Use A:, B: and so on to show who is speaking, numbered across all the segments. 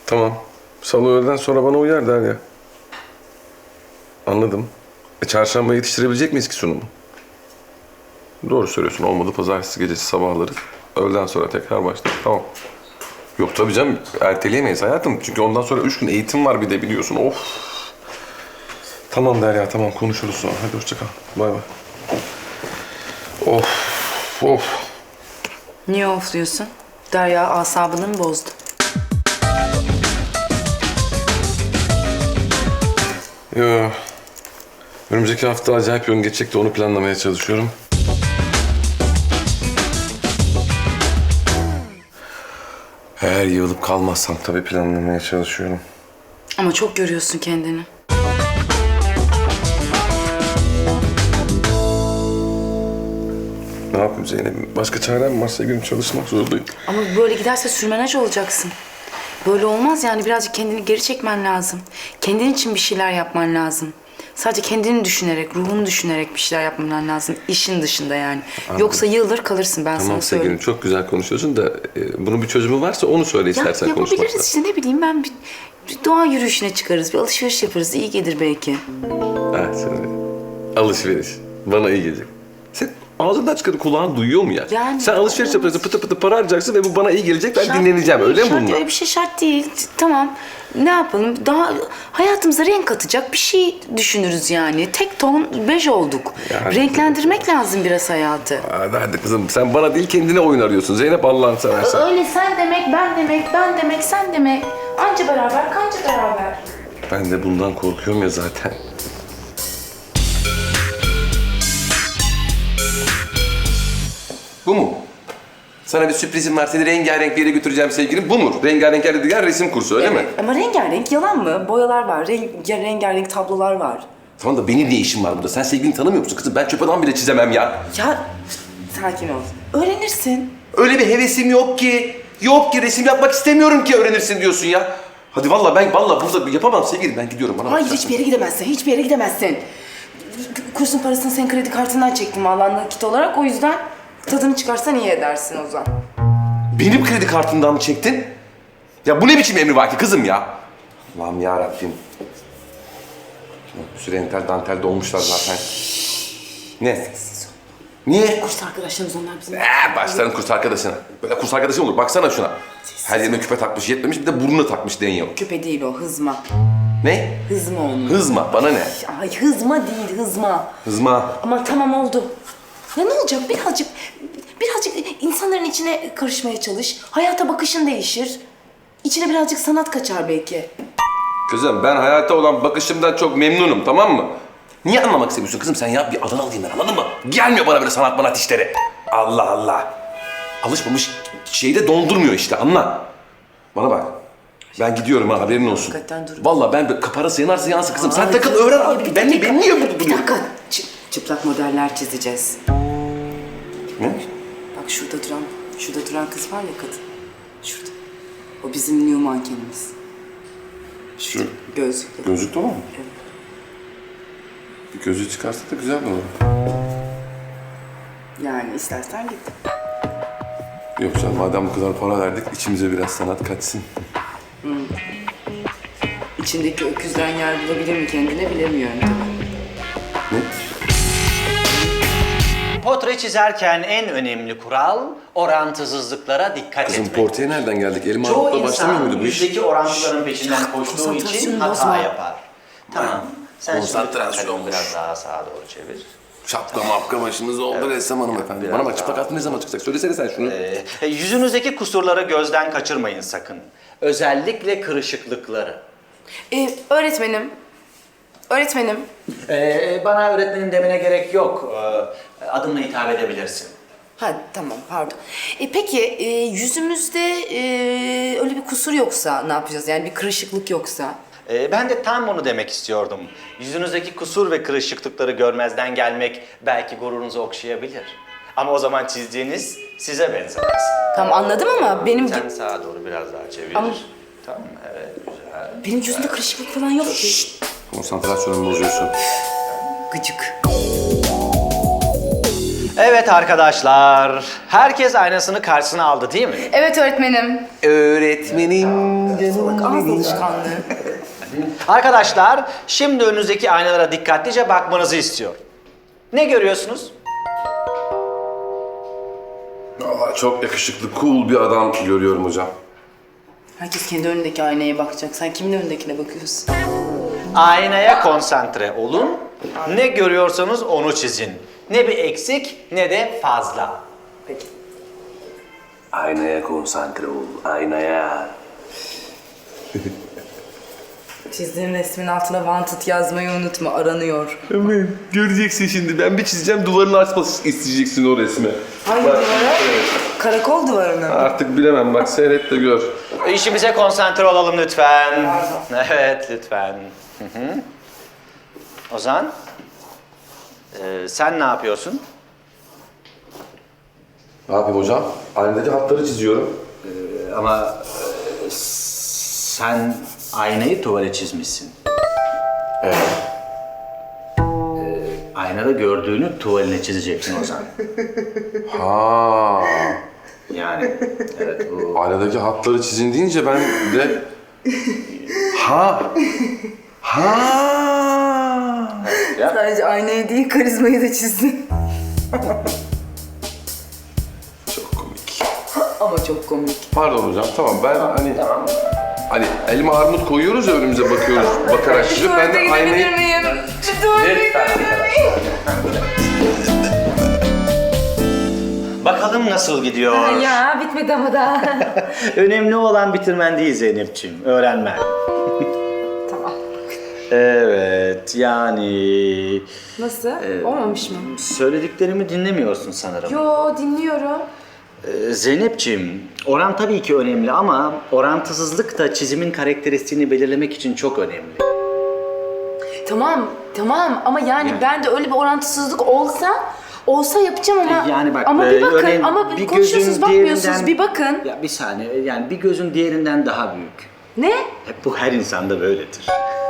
A: Tamam. Salı öğleden sonra bana uyar Derya. Anladım. Çarşamba yetiştirebilecek miyiz ki sunumu? Doğru söylüyorsun. Olmadı pazartesi gecesi sabahları. Öğleden sonra tekrar başlar. Tamam. Yok tabii canım. Erteleyemeyiz hayatım. Çünkü ondan sonra 3 gün eğitim var bir de biliyorsun. Of. Tamam Derya tamam konuşuruz sonra. Hadi hoşça kal. Bay bay. Of. Of.
B: Niye ofluyorsun? Derya asabını mı bozdu?
A: Yo. Önümüzdeki hafta acayip yoğun geçecek de onu planlamaya çalışıyorum. Eğer yığılıp kalmazsam tabii planlamaya çalışıyorum.
B: Ama çok görüyorsun kendini.
A: Ne yapayım Zeynep? Başka çarem varsa günüm çalışmak zorundayım.
B: Ama böyle giderse sürmenaj olacaksın. Böyle olmaz yani birazcık kendini geri çekmen lazım. Kendin için bir şeyler yapman lazım. Sadece kendini düşünerek, ruhunu düşünerek bir şeyler yapman lazım. İşin dışında yani.
A: Anladım.
B: Yoksa yığılır kalırsın ben
A: Tamam
B: sana
A: sevgilim
B: söyleyeyim.
A: çok güzel konuşuyorsun da bunun bir çözümü varsa onu söyle istersen konuşmakta.
B: Yapabiliriz işte ne bileyim ben bir doğa yürüyüşüne çıkarız, bir alışveriş yaparız. İyi gelir belki.
A: Evet söyle. Alışveriş. Bana iyi gelecek. Sen ağzından çıkanı kulağın duyuyor mu ya?
B: Yani
A: Sen alışveriş
B: olmaz.
A: yapacaksın, pıtı pıtı para harcayacaksın ve bu bana iyi gelecek, ben
B: Şart
A: dinleneceğim.
B: değil,
A: Öyle mi
B: şart
A: bunlar?
B: değil, öyle bir şey şart değil. Tamam. Ne yapalım? Daha hayatımıza renk katacak bir şey düşünürüz yani. Tek ton bej olduk.
A: Yani-
B: Renklendirmek lazım biraz hayatı.
A: Hadi kızım sen bana değil kendine oyun arıyorsun. Zeynep Allah'ını seversen.
B: Öyle sen demek, ben demek, ben demek, sen demek. Anca beraber, kanca beraber.
A: Ben de bundan korkuyorum ya zaten. Bu mu? Sana bir sürprizim var. Seni rengarenk bir yere götüreceğim sevgilim. Bu mu? Rengarenk yer dediğin resim kursu öyle mi?
B: Ama rengarenk yalan mı? Boyalar var, rengarenk tablolar var.
A: Tamam da benim ne işim var burada? Sen sevgilini tanımıyor musun kızım? Ben çöp adam bile çizemem ya.
B: Ya sakin ol. Öğrenirsin.
A: Öyle bir hevesim yok ki. Yok ki resim yapmak istemiyorum ki öğrenirsin diyorsun ya. Hadi vallahi ben burada yapamam sevgilim. Ben gidiyorum bana.
B: Hayır
A: bak.
B: hiçbir yere gidemezsin, hiçbir yere gidemezsin. Kursun parasını senin kredi kartından çektim vallahi nakit olarak. O yüzden tadını çıkarsan iyi edersin Ozan.
A: Benim kredi kartımdan mı çektin? Ya bu ne biçim emrivaki kızım ya? Allah'ım yarabbim. Bir sürü entel dantel dolmuşlar zaten. Ne? Niye?
B: Kurs arkadaşlarımız onlar bizim.
A: Başlarım kurs arkadaşına. Böyle kurs arkadaşı olur. Baksana şuna. Her yerine küpe takmış, yetmemiş bir de burnuna takmış deniyor.
B: Küpe değil o, hızma.
A: Ne?
B: Hızma onun.
A: Hızma, bana ne?
B: Ay hızma değil, hızma.
A: Hızma.
B: Ama tamam oldu. Ya ne olacak? Birazcık insanların içine karışmaya çalış. Hayata bakışın değişir. İçine birazcık sanat kaçar belki.
A: Kızım ben hayata olan bakışımdan çok memnunum tamam mı? Niye anlamak istemiyorsun kızım sen ya? Bir adını alayım ben anladın mı? Gelmiyor bana böyle sanat manat işleri. Allah Allah. Alışmamış şeyi de dondurmuyor işte anla. Bana bak. Ben gidiyorum ha haberin olsun.
B: Hakikaten dur.
A: Vallahi ben parası yanarsa yansın kızım. Sen
B: Ay,
A: takıl öğren
B: ay,
A: abi.
B: bir
A: Ben
B: dakika.
A: niye burada
B: Bir
A: duruyorum?
B: dakika. Çıplak modeller çizeceğiz.
A: Ne?
B: Bak şurada duran kız var ya kadın. Şurada. O bizim new mankenimiz.
A: Şu
B: Gözlüklü.
A: gözlük de var mı?
B: Evet.
A: Bir gözlüğü çıkarsa da güzel olur.
B: Yani istersen git.
A: Yok canım madem bu kadar para verdik içimize biraz sanat kaçsın.
B: İçindeki öküzden yer bulabilir mi kendine bilemiyorum tabii.
A: Ne?
C: Portre çizerken en önemli kural orantısızlıklara dikkat
A: Kızım
C: etmek.
A: portreye nereden geldik? Elim
C: Çoğu
A: armutla başlamıyor
C: insan
A: muydu bu iş?
C: yüzdeki orantıların peşinden koştuğu için
B: konsantrasyonu
C: hata
B: bozma.
C: yapar. Tamam. Sen şimdi
A: Konsantrasyon
C: kalemi
A: olmuş.
C: biraz daha sağa doğru çevir.
A: Şapka mapka başınız oldu ressam hanımefendi.
C: Biraz
A: Bana bak
C: daha.
A: çıplak altı ne zaman çıkacak? Söylesene sen şunu.
C: Yüzünüzdeki kusurları gözden kaçırmayın sakın. Özellikle kırışıklıkları.
B: Öğretmenim.
C: Bana öğretmenim demene gerek yok. Adımla hitap edebilirsin.
B: Ha tamam pardon. Peki yüzümüzde öyle bir kusur yoksa ne yapacağız? Yani bir kırışıklık yoksa?
C: Ben de tam bunu demek istiyordum. Yüzünüzdeki kusur ve kırışıklıkları görmezden gelmek belki gururunuzu okşayabilir. Ama o zaman çizdiğiniz size benzemez.
B: Tamam anladım ama benim
C: Sen sağa doğru biraz daha çevir.
B: Ama-
C: Tamam, evet, güzel.
B: benim yüzümde kırışıklık falan yok ki.
A: Konsantrasyonumu bozuyorsun.
B: Gıcık.
C: Evet arkadaşlar, herkes aynasını karşısına aldı değil mi?
B: Evet öğretmenim.
A: Öğretmenim canım
B: Ağız alışkanlığı.
C: Arkadaşlar, şimdi önünüzdeki aynalara dikkatlice bakmanızı istiyorum. Ne görüyorsunuz?
A: Vallahi çok yakışıklı, cool bir adam görüyorum hocam.
B: Herkes kendi önündeki aynaya bakacak. Sen kimin önündekine bakıyorsun?
C: Aynaya konsantre olun. Ne görüyorsanız onu çizin. Ne bir eksik ne de fazla.
B: Peki.
A: Aynaya konsantre ol, aynaya.
B: Çizdiğin resmin altına wanted yazmayı unutma. Aranıyor.
A: Evet, göreceksin şimdi. Ben bir çizeceğim, duvarını açması isteyeceksin o resmi.
B: Hangi
A: Bak,
B: duvara? Karakol duvarına mı?
A: artık bilemem, bak seyret de gör.
C: İşimize konsantre olalım lütfen.
B: Pardon.
C: Evet, lütfen. Hı hı. Ozan, sen ne yapıyorsun?
A: Ne yapayım hocam? Aynadaki hatları çiziyorum.
C: Ama sen aynayı tuvale çizmişsin.
A: Evet.
C: Aynada gördüğünü tuvaline çizeceksin Ozan.
A: Ha.
C: Yani evet bu...
A: Aynadaki hatları çizin deyince ben de... Ha. Ha.
B: Sadece aynayı değil karizmayı da çizdin.
A: Çok komik.
B: Ama çok komik.
A: Pardon hocam, tamam ben hani elma armut koyuyoruz ya önümüze bakıyoruz, bakarak çizip ben de aynayı...
B: miyim?
C: Bakalım nasıl gidiyor?
B: Ya bitmedi ama daha.
C: Önemli olan bitirmen değil Zeynep'ciğim, öğrenmen.
B: Tamam.
C: Evet, yani...
B: Nasıl? Olmamış mı?
C: Söylediklerimi dinlemiyorsun sanırım.
B: Yo dinliyorum.
C: Zeynep'ciğim, oran tabii ki önemli ama orantısızlık da çizimin karakteristiğini belirlemek için çok önemli.
B: Tamam ama yani ben de öyle bir orantısızlık olsa yapacağım ama
C: Yani bak,
B: ama bir bakın
C: örneğin
B: ama
C: bir
B: konuşuyorsunuz
C: gözün
B: bakmıyorsunuz
C: diğerinden-
B: bir bakın.
C: Ya bir saniye, yani bir gözün diğerinden daha büyük.
B: Ne?
C: Hep bu her insanda böyledir.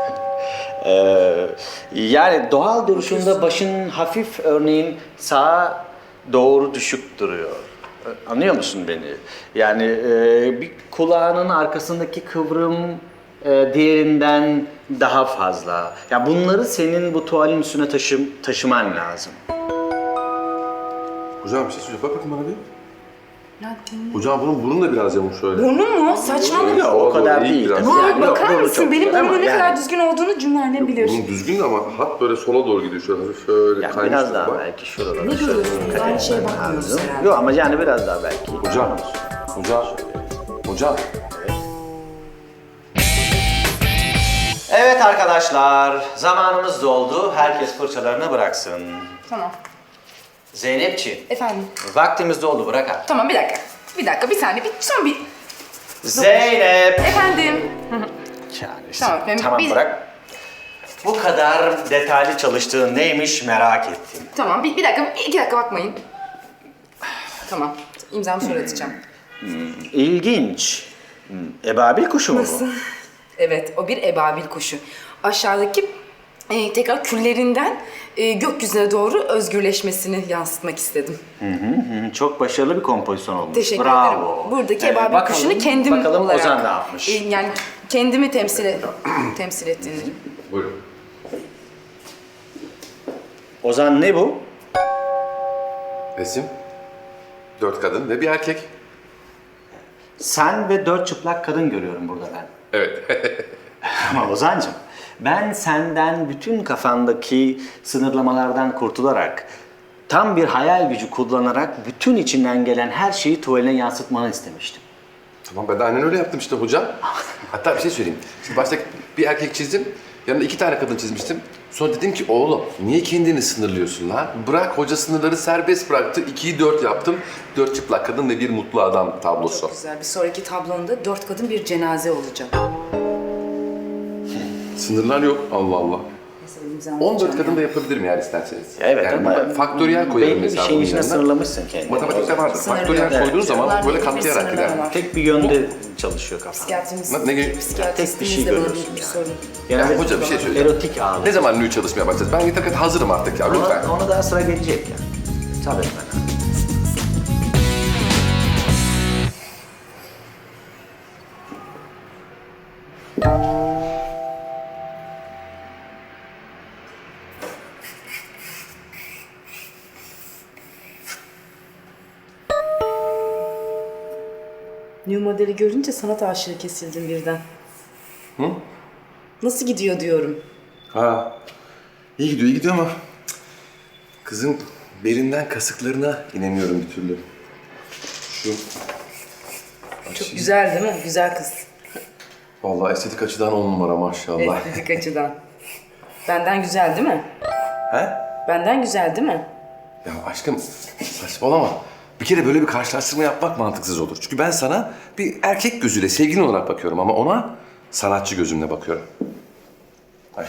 C: Yani doğal duruşunda başın hafif örneğin sağa doğru düşük duruyor. Anlıyor musun beni? Yani bir kulağının arkasındaki kıvrım diğerinden daha fazla. Ya bunları senin bu tuvalin üstüne taşıman lazım.
A: Hocam bir şey söyleyeceğim, bak bakayım bana bir.
B: Ya dinle.
A: Hocam bunun burnu da biraz yamuk şöyle.
B: Burnu mu? Saçmalama.
C: Yok, o kadar
A: iyi
C: değil.
A: biraz.
C: tabii.
B: Vay,
C: Yani yok,
B: bakar
C: burnu
B: mısın?
C: çok
B: Benim
C: güzel ama
B: burnumun ne kadar
C: yani-
B: düzgün olduğunu cümlerden bilir.
A: Bunun düzgün de ama hat böyle sola doğru gidiyor şöyle hafif şöyle
C: Yani
A: kaymış.
C: biraz daha
A: bak.
C: belki şuralara.
B: Ne görüyorsunuz? Aynı şeye bakmıyorsunuz herhalde.
C: Yok ama yani biraz daha belki.
A: Hocam.
C: Evet arkadaşlar, zamanımız doldu. Herkes fırçalarını bıraksın.
B: Tamam.
C: Zeynepciğim,
B: Efendim.
C: vaktimiz doldu, bırak artık.
B: Tamam bir dakika. Bir saniye. Son bir...
C: Zeynep!
B: Efendim.
C: Yani
B: Tamam, ben-
C: tamam
B: biz-
C: bırak. Bu kadar detaylı çalıştığın neymiş merak ettim.
B: Tamam bir dakika. 2 dakika bakmayın. Tamam. İmzamı sonra atacağım.
C: İlginç. Ebabil kuşu mu bu?
B: Evet, o bir ebabil kuşu. Aşağıdaki tekrar küllerinden gökyüzüne doğru özgürleşmesini yansıtmak istedim.
C: Çok başarılı bir kompozisyon olmuş.
B: Teşekkür
C: Bravo.
B: ederim. Buradaki ebabil
C: bakalım-
B: kuşunu kendim
C: bakalım
B: olarak...
C: Ozan ne yapmış?
B: Yani kendimi temsil ettiğini.
A: Buyurun.
C: Ozan ne bu?
A: Resim. 4 kadın ve bir erkek.
C: Sen ve 4 çıplak kadın görüyorum burada ben.
A: Evet.
C: Ama Ozan'cığım, ben senden bütün kafandaki sınırlamalardan kurtularak, tam bir hayal gücü kullanarak bütün içinden gelen her şeyi tuvaline yansıtmanı istemiştim.
A: Tamam ben de aynen öyle yaptım işte hocam. Hatta bir şey söyleyeyim. Şimdi başta bir erkek çizdim. Yanında 2 tane kadın çizmiştim. Sonra dedim ki oğlum niye kendini sınırlıyorsun lan? Bırak, hoca sınırları serbest bıraktı. 2'yi 4 yaptım. 4 çıplak kadın ve bir mutlu adam tablosu.
B: Çok güzel. Bir sonraki tablonda 4 kadın bir cenaze olacak.
A: Sınırlar yok. Allah Allah.
B: Mesela imzamı
A: 14
B: atacağım
A: kadın
B: ya.
A: da yapabilirim yani isterseniz.
C: Evet
A: yani
C: ama
A: faktöriyel koyarım
C: belli bir
A: mesela
C: şeyin
A: bunun
C: içine
A: yanına.
C: sınırlamışsın kendini.
A: Matematikte vardır.
B: Sınırlı.
A: Faktöriyel
C: Evet.
A: koyduğun zaman
B: Bunlar
A: böyle
B: belli bir
A: katlayarak
B: sınırlama
A: gider.
B: var.
C: Tek bir yönde çalışıyor kafan.
B: Psikiyatrimiz,
A: Ne-
C: Tek bir şey
B: psikiyatristimizle bana
C: görüyorsun
B: bir
C: yani.
B: sorun.
C: Genelde
A: hoca bir şey söyleyeceğim.
C: erotik ağırlık.
A: Ne zaman nü çalışmaya başlayacağız? Ben yeter hazırım artık ya lütfen.
C: Ona daha sıra gelecek yani. Tabii efendim.
B: New modeli görünce sanat aşığı kesildim birden.
A: Hı?
B: Nasıl gidiyor diyorum.
A: Ha. İyi gidiyor, iyi gidiyor ama kızın belinden kasıklarına inemiyorum bir türlü. Şu
B: Çok güzel değil mi? Güzel kız.
A: vallahi estetik açıdan 10 numara maşallah.
B: Estetik açıdan. Benden güzel değil mi?
A: He?
B: Benden güzel değil mi?
A: Ya aşkım saçmalama. Bir kere böyle bir karşılaştırma yapmak mantıksız olur. Çünkü ben sana bir erkek gözüyle sevgilin olarak bakıyorum ama ona sanatçı gözümle bakıyorum. Haydi.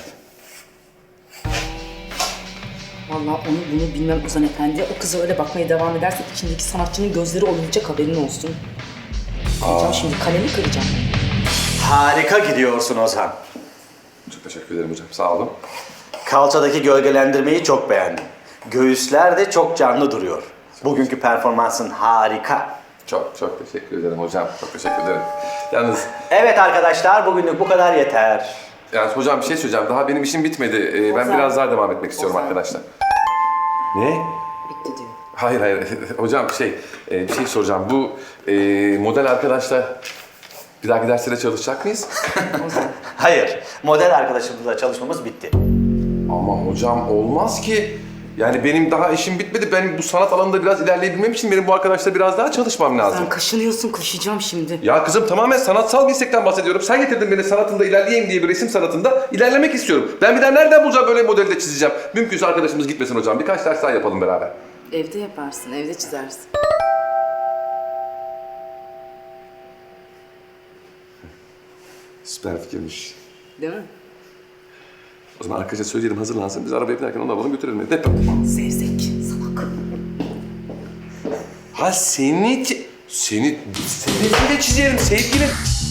B: Vallahi onu bunu bilmem Ozan Efendi. O kıza öyle bakmaya devam edersek içindeki sanatçının gözleri olmayacak, haberin olsun. Kıracağım şimdi, kalemi kıracağım.
C: Harika gidiyorsun Ozan.
A: Çok teşekkür ederim hocam. Sağ olun.
C: Kalçadaki gölgelendirmeyi çok beğendim. Göğüsler de çok canlı duruyor. Bugünkü performansın harika.
A: Çok teşekkür ederim hocam. Çok teşekkür ederim. Yalnız
C: Evet arkadaşlar, bugünlük bu kadar yeter.
A: yani hocam bir şey söyleyeceğim. Daha benim işim bitmedi. Ben
B: Ozan.
A: biraz daha devam etmek istiyorum
B: Ozan.
A: arkadaşlar. Ne?
B: Bitti diyor.
A: Hayır. Hocam bir şey soracağım. Bu model arkadaşla bir dahaki derslere çalışacak mıyız?
C: Hayır, model arkadaşımızla çalışmamız bitti.
A: Ama hocam olmaz ki. Yani benim daha işim bitmedi. Benim bu sanat alanında biraz ilerleyebilmem için benim bu arkadaşla biraz daha çalışmam lazım.
B: Sen kaşınıyorsun, koşacağım şimdi.
A: Ya kızım tamamen sanatsal bir istekten bahsediyorum. Sen getirdin beni sanatında ilerleyeyim diye bir resim sanatında ilerlemek istiyorum. Ben bir daha nereden bulacağım böyle modeli de çizeceğim? Mümkünse arkadaşımız gitmesin hocam. Birkaç ders daha yapalım beraber.
B: Evde yaparsın, evde çizersin.
A: Süper fikirmiş.
B: Değil mi?
A: O zaman arkadaşa söyleyelim hazırlansın. Biz arabaya binerken onu alalım götürelim. Hep.
B: Zevzek, salak.
A: Ha seni de çizerim sevgilim.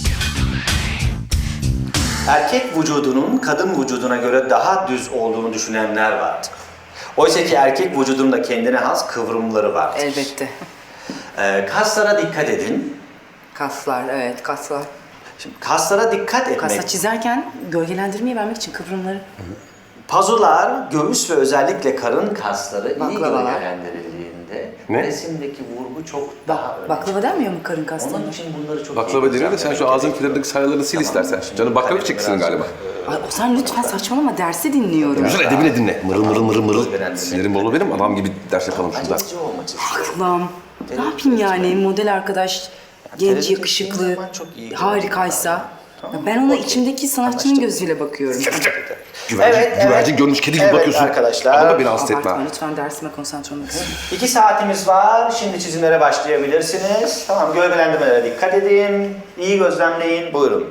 C: Erkek vücudunun kadın vücuduna göre daha düz olduğunu düşünenler vardır. Oysa ki erkek vücudunda kendine has kıvrımları vardır.
B: Elbette.
C: Kaslara dikkat edin.
B: Kaslar, evet kaslar.
C: Şimdi kaslara dikkat etmek.
B: Kasa çizerken gölgelendirmeyi vermek için kıvrımları.
C: Pazular, göğüs ve özellikle karın kasları iyi
B: Baklavalar.
C: gölgelendirildiğinde
A: Ne?
C: resimdeki vurgu çok daha önemli.
B: Baklava denmiyor mu karın kaslarına?
C: Onun için bunları çok
A: Baklava
C: iyi
A: deniyor da sen şu ağzın kenarındaki sayılarını sil istersen. Canım baklava çeksin galiba.
B: Ay Ozan lütfen saçmalama, dersi dinliyorum.
A: Şunu edebine dinle. Mırıl.
C: Öğrendim.
A: Sinirim bolu benim. Adam gibi ders yapalım şurada.
C: Acıcı olmak istiyorum.
B: Aklım. Ne yapayım yani model arkadaş, genç,
C: televizyon
B: yakışıklı,
C: izlediğin zaman çok iyi
B: harikaysa. Ya ben ona içimdeki sanatçının gözüyle bakıyorum.
A: Güvercin görmüş kedi gibi
C: Evet
A: bakıyorsun.
C: arkadaşlar.
A: Ama beni hasta etme.
B: Abartma lütfen, dersime konsantre olmak istiyorum.
C: 2 saatimiz var. Şimdi çizimlere başlayabilirsiniz. Tamam, gölgelendirmelere dikkat edin. İyi gözlemleyin. Buyurun.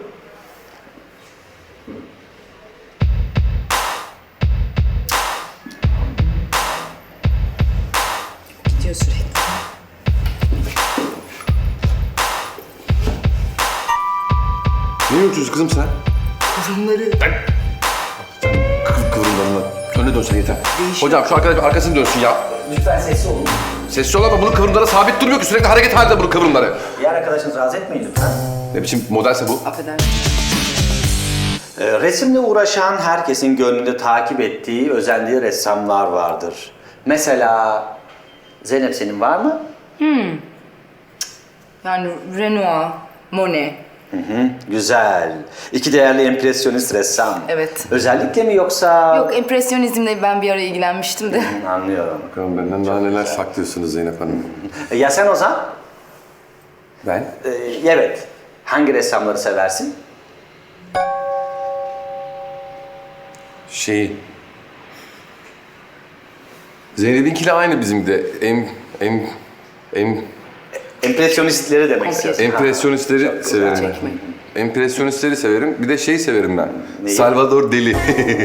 B: Gidiyor sürekli.
A: Ne yürütüyorsun kızım sen?
B: Kıvrımları.
A: Kıvrımlarını. Önüne dönsen yeter.
B: Değişiyor.
A: Hocam şu arkadaş arkasını dönsün ya.
C: Lütfen sessiz olun.
A: Sessiz ol ama bunun kıvrımları sabit durmuyor ki. Sürekli hareket halinde bunun kıvrımları.
C: Diğer arkadaşınızı rahatsız etmeyin lütfen.
A: Ne biçim modelse bu?
B: Affedersin.
C: Resimle uğraşan herkesin gönlünde takip ettiği, özendiği ressamlar vardır. Mesela Zeynep, senin var mı?
B: Yani Renoir, Monet.
C: Güzel. İki değerli empresyonist ressam.
B: Evet.
C: Özellikle mi yoksa...
B: Yok, empresyonizmle ben bir ara ilgilenmiştim de.
C: Anlıyorum.
A: Bakalım benden daha neler saklıyorsunuz Zeynep Hanım.
C: Ya sen Ozan?
A: Ben?
C: Evet. Hangi ressamları seversin?
A: Zeynep'inkiyle aynı bizim de.
C: Empresyonistleri demek
B: Okey.
C: istiyorsun.
A: Empresyonistleri severim.
B: Çekme.
A: Empresyonistleri severim. Bir de severim ben.
C: Neyi?
A: Salvador Dali.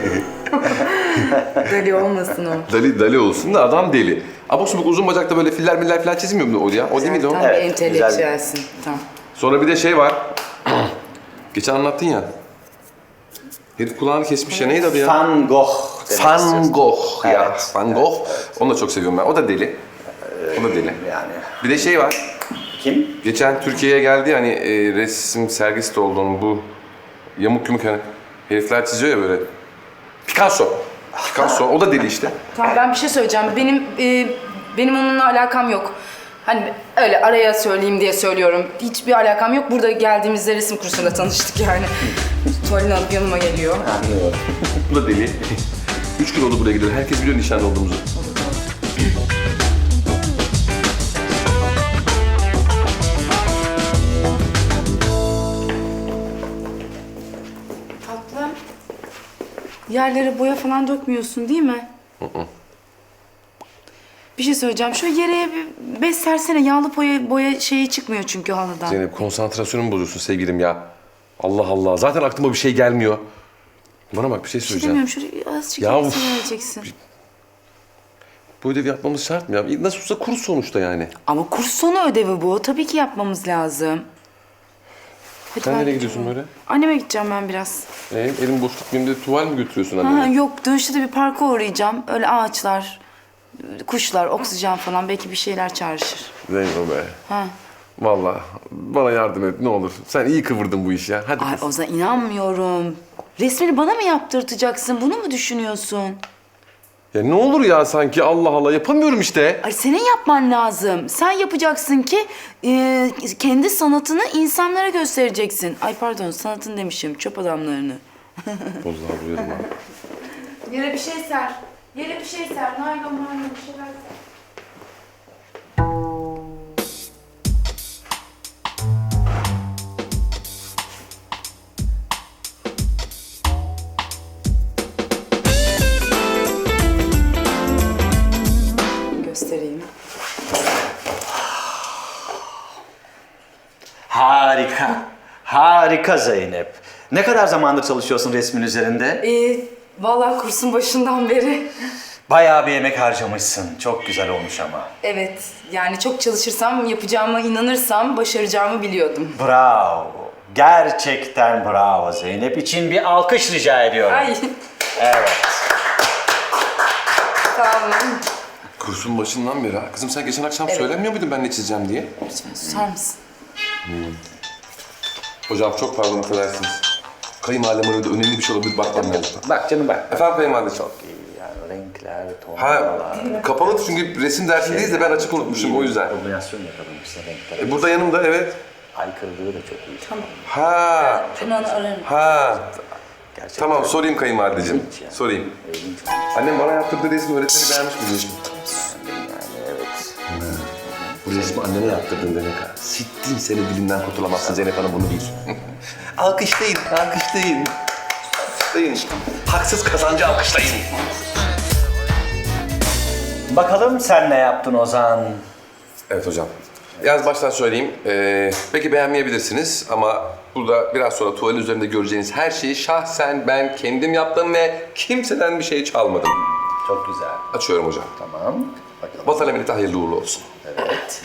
B: Deli olmasın o.
A: Dali olsun da adam deli. Abuk subuk uzun bacakta böyle filler miller falan çizmiyor mu o ya? O değil miydi o?
B: Tam
C: Evet,
B: bir entelektüelsin. Tamam.
A: Sonra bir de var. Geçen anlattın ya. Herif kulağını kesmiş ya. Neydi adı ya?
C: Van Gogh demek
A: Van
C: istiyorsun.
A: Gogh ya.
C: Evet,
A: Van Gogh. Onu da çok seviyorum ben. O da deli. O da deli.
C: Yani.
A: Bir de şey var.
C: Kim?
A: Geçen Türkiye'ye geldi hani resim sergisi de oldu onun bu yamuk yumuk hani herifler çiziyor ya böyle. Picasso. O da deli işte.
B: Tamam ben bir şey söyleyeceğim. Benim onunla alakam yok. Hani öyle araya söyleyeyim diye söylüyorum. Hiçbir alakam yok. Burada geldiğimizde resim kursunda tanıştık yani. Tuvalini alıp yanıma geliyor.
C: Anlıyorum.
A: Bu da deli. 3 gün oldu buraya gidiyor. Herkes biliyor nişanlı olduğumuzu.
B: Tatlım. Yerlere boya falan dökmüyorsun değil mi? Bir şey söyleyeceğim. Şu yere bir bez sersene. Yağlı boya şeyi çıkmıyor çünkü halıdan.
A: Zeynep konsantrasyonumu bozuyorsun sevgilim ya. Allah Allah. Zaten aklıma bir şey gelmiyor. Bana bak bir şey söyleyeceğim.
B: İstemiyorum. Şuraya azıcık
A: Ya
B: ya,
A: uf.
B: vereceksin.
A: Bu ödevi yapmamız şart mı ya? Nasıl olsa kurs sonuçta yani.
B: Ama kurs sonu ödevi bu. Tabii ki yapmamız lazım. Hadi
A: Sen
B: ben
A: nereye
B: gidiyorum.
A: gidiyorsun böyle?
B: Anneme gideceğim ben biraz.
A: Elim boş tutmayayım diye tuval mi götürüyorsun
B: Ha,
A: annene?
B: yok dönüşte de bir parka uğrayacağım. Öyle ağaçlar, kuşlar, oksijen falan belki bir şeyler çağrışır.
A: Zeynep be.
B: Ha.
A: Vallahi bana yardım et ne olur. Sen iyi kıvırdın bu işi ya. Hadi
B: Ay
A: kız.
B: Ozan inanmıyorum. Resmini bana mı yaptırtacaksın? Bunu mu düşünüyorsun?
A: Ya ne olur ya sanki Allah Allah yapamıyorum işte.
B: Ay senin yapman lazım. Sen yapacaksın ki kendi sanatını insanlara göstereceksin. Ay pardon sanatın demişim çöp adamlarını.
A: Bozlar duyarım ha.
B: Yere bir şey ser. Yere bir şey ser. Naylon bir şeyler ser. Göstereyim.
C: Harika. Harika Zeynep. Ne kadar zamandır çalışıyorsun resmin üzerinde?
B: Vallahi kursun başından beri.
C: Bayağı bir emek harcamışsın. Çok güzel olmuş ama.
B: Evet, yani çok çalışırsam, yapacağıma inanırsam başaracağımı biliyordum.
C: Bravo. Gerçekten bravo Zeynep. için bir alkış rica ediyorum.
B: Ay,
C: Evet.
B: sağ olun.
A: Kursun başından beri ha. Kızım sen geçen akşam söylemiyor muydun ben ne çizeceğim diye?
B: Lütfen susar mısın?
A: Hocam çok pardon affedersiniz. Kayınvalidem arada önemli bir şey olabilir bakmam lazım.
C: Bak canım bak.
A: Efendim kayınvalideciğim.
C: Çok iyi yani renkler,
A: Ha
C: tonlar.
A: kapalı çünkü resim dersindeyiz de ben açık unutmuşum o yüzden.
C: Kombinasyon yakalamışsın renkler.
A: Burada yanımda evet.
C: Aykırılığı da çok iyi.
B: Tamam.
A: Ha.
B: Ben onu ararım.
A: Ha.
C: Gerçekten.
A: Tamam sorayım kayınvalideciğim.
C: İlginç yani.
A: Sorayım.
C: İlginç olmuş.
A: Annem bana yaptırdığı resmi öğretmeni beğenmiş mi diyeceğim.
C: Yani evet.
A: Bu resmi annene yaptırdın demek ha. Sittin seni dilinden kurtulamazsın Zeynep Hanım bunu bil. alkışlayın, alkışlayın. Alkışlayın. Haksız kazancı alkışlayın.
C: Bakalım sen ne yaptın Ozan?
A: Evet hocam. Yalnız baştan söyleyeyim. Peki beğenmeyebilirsiniz ama burada biraz sonra tuval üzerinde göreceğiniz her şeyi şahsen ben kendim yaptım ve kimseden bir şey çalmadım.
C: Çok güzel.
A: Açıyorum hocam.
C: Tamam. Bakalım.
A: Vatan emaneti hayırlı uğurlu olsun.
C: Evet.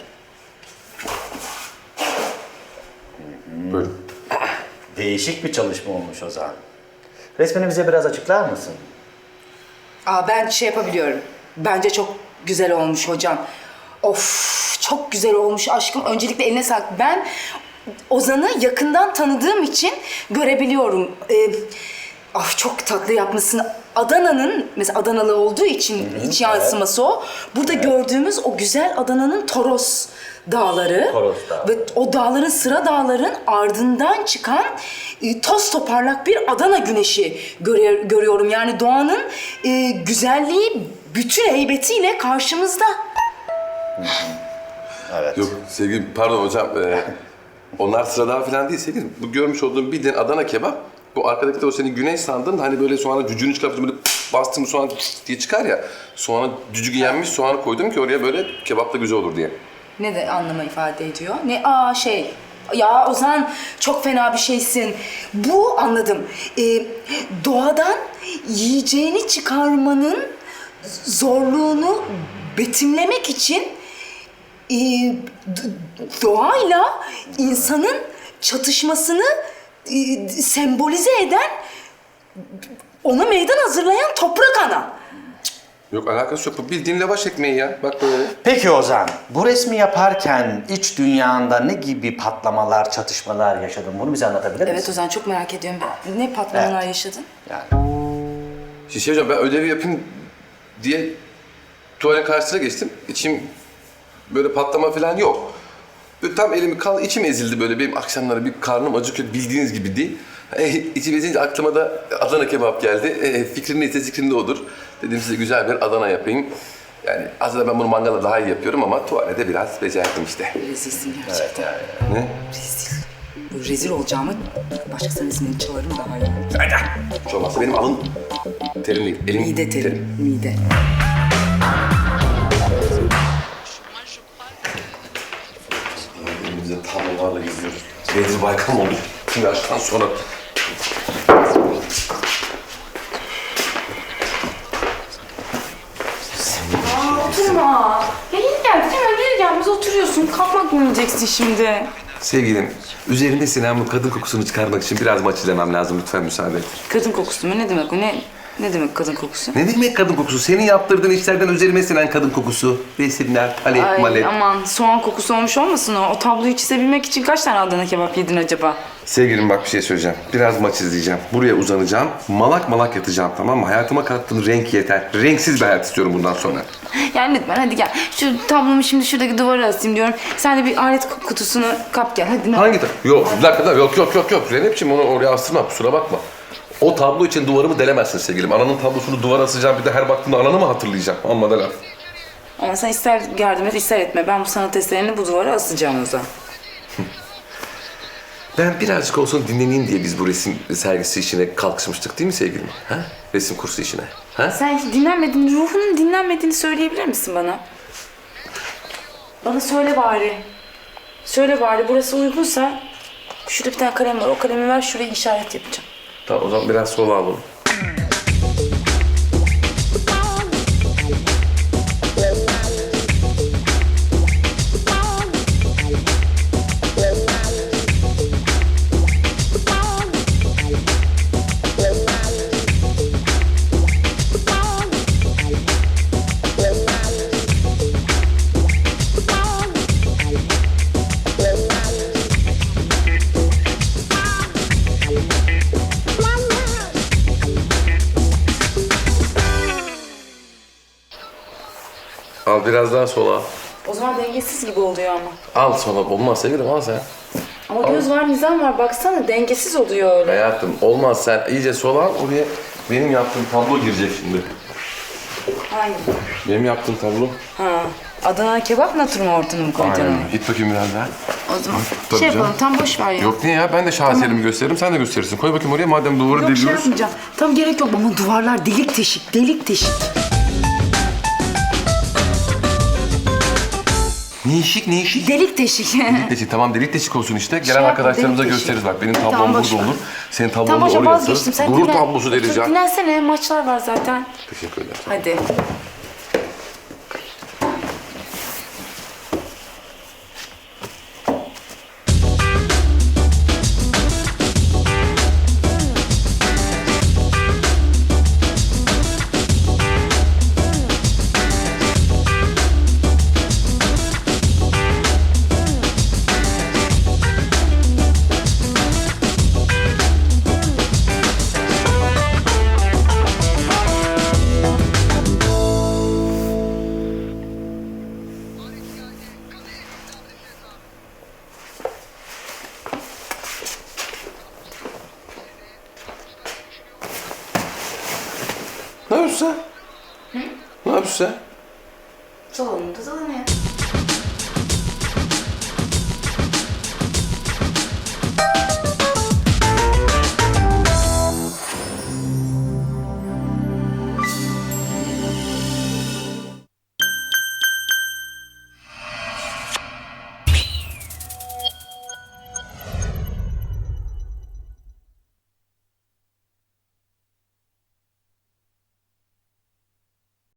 A: Buyurun.
C: Değişik bir çalışma olmuş Ozan. Resmini bize biraz açıklar mısın?
B: Ben şey yapabiliyorum. Bence çok güzel olmuş hocam. Of, çok güzel olmuş aşkım. Öncelikle eline sağlık. Ben Ozan'ı yakından tanıdığım için görebiliyorum. Çok tatlı yapmışsın. Adana'nın, mesela Adanalı olduğu için iç yansıması o. Burada gördüğümüz o güzel Adana'nın Toros dağları.
C: Toros Dağı.
B: Ve o dağların, sıra dağların ardından çıkan toz toparlak bir Adana güneşi görüyorum. Yani doğanın güzelliği bütün heybetiyle karşımızda.
C: Evet.
A: Yok sevgilim pardon hocam. Onlar sıradan falan değil sevgilim. Bu görmüş olduğum bildiğin Adana kebap. Bu arkadaki de o senin güneş sandın da hani böyle soğanı cücüğünü çıkartıp böyle bastım soğan diye çıkar ya. Soğanı cücüğü yenmiş soğanı koydum ki oraya böyle kebapla güzel olur diye.
B: Ne de anlama ifade ediyor? Ne? Ya Ozan çok fena bir şeysin. Bu anladım. Doğadan yiyeceğini çıkarmanın zorluğunu betimlemek için doğayla insanın çatışmasını sembolize eden, ona meydan hazırlayan toprak ana.
A: Yok alakası yok. Bu bildiğin lavaş ekmeği ya. Bak böyle.
C: Peki Ozan, bu resmi yaparken iç dünyanda ne gibi patlamalar, çatışmalar yaşadın? Bunu bize anlatabilir misin?
B: Evet Ozan, çok merak ediyorum. Ne patlamalar yaşadın?
C: Yani.
A: Şey hocam, ben ödevi yapayım diye tuvalin karşısına geçtim. İçim böyle patlama falan yok. Böyle tam elimi içim ezildi böyle. Benim akşamları bir karnım acıkıyor, bildiğiniz gibi değil. İçim ezilince aklıma da Adana kebap geldi. Fikrin neyse zikrin de odur. Dedim size güzel bir Adana yapayım. Yani aslında ben bunu mangala daha iyi yapıyorum ama tuvalete biraz becerdim işte.
B: Rezilsin gerçekten.
A: Ne?
B: Rezil. Bu rezil olacağımı başkasının ismini çalarım daha iyi.
A: Hiç olmazsa benim alın terim değil, elim
B: Mide terim, mide.
A: Elimizde tablolarla geziyoruz. Bedri Baykal mı oldu? Şimdi yaştan sonra.
B: Oturma. Ya yeni geldik, hemen geri gelmez oturuyorsun. Kalkmak mı yiyeceksin şimdi?
A: Sevgilim, üzerinde sinen bu kadın kokusunu çıkarmak için biraz maç izlemem lazım. Lütfen müsaade et.
B: Kadın kokusu mu? Ne demek o? Ne demek kadın kokusu?
A: Ne demek kadın kokusu? Senin yaptırdığın işlerden üzerime sinen kadın kokusu. Resimler, palet,
B: Ay
A: malet.
B: aman, soğan kokusu olmuş olmasın o? O tabloyu çizebilmek için kaç tane Adana kebap yedin acaba?
A: Sevgilim bak bir şey söyleyeceğim. Biraz maç izleyeceğim. Buraya uzanacağım. Malak malak yatacağım, tamam mı? Hayatıma kattığın renk yeter. Renksiz bir hayat istiyorum bundan sonra.
B: Yani lütfen hadi gel. Şu tablomu şimdi şuradaki duvara asayım diyorum. Sen de bir alet kutusunu kap gel. Hadi.
A: Hangi Yok, bir dakika. Yok. Zeynep'ciğim onu oraya astırma. Kusura bakma. O tablo için duvarımı delemezsin sevgilim. Ananın tablosunu duvara asacağım. Bir de her baktığımda ananı mı hatırlayacağım? Amma da laf.
B: Ama sen ister yardım et, ister etme. Ben bu sanat eserini bu duvara asacağım o zaman.
A: Ben birazcık olsun dinleneyim diye biz bu resim sergisi işine kalkışmıştık değil mi sevgilim? Ha? Resim kursu işine. Ha?
B: Sen hiç dinlenmedin, ruhunun dinlenmediğini söyleyebilir misin bana? Bana söyle bari. Söyle bari, burası uygunsa... Şurada bir tane kalem var, o kalemi ver, şuraya işaret yapacağım.
A: Tamam, o zaman biraz sola alalım. Al biraz daha sola.
B: O zaman dengesiz gibi oluyor ama.
A: Al sola. Olmaz sevgilim, al sen.
B: Ama göz var, nizam var. Baksana dengesiz oluyor öyle.
A: Hayatım olmaz, sen iyice sola al. Oraya benim yaptığım tablo girecek şimdi.
B: Hangi?
A: Benim yaptığım tablo.
B: Ha. Adana kebap naturmu ortamı mı koyacaksın?
A: Aynen. Git bakayım biraz daha.
B: O zaman
A: Tabii
B: şey yapalım,
A: canım.
B: tam boş ver ya.
A: Yok niye ya? Ben de şaheserimi gösteririm, sen de gösterirsin. Koy bakayım oraya, madem duvarı
B: Yok şey
A: deliyoruz.
B: yapmayacağım. Tam gerek yok ama duvarlar delik deşik, delik deşik.
A: Ne işik?
B: Delik deşik.
A: Deşik, tamam delik deşik olsun işte. Gelen
B: yapma,
A: arkadaşlarımıza
B: delik deşik.
A: gösteririz bak. Benim tablom
B: Tamam, boş
A: burada
B: ver.
A: olur. Senin tablon
B: Tam
A: da
B: boşa
A: oraya
B: vazgeçtim.
A: asarız.
B: Sen
A: Gurur
B: dinlen.
A: tablosu deriz ya.
B: Dinlensene, maçlar var zaten.
A: Teşekkür ederim.
B: Hadi.
A: Ne yapıyorsun sen? Ne yapıyorsun sen?
B: Salonunda salonu ya.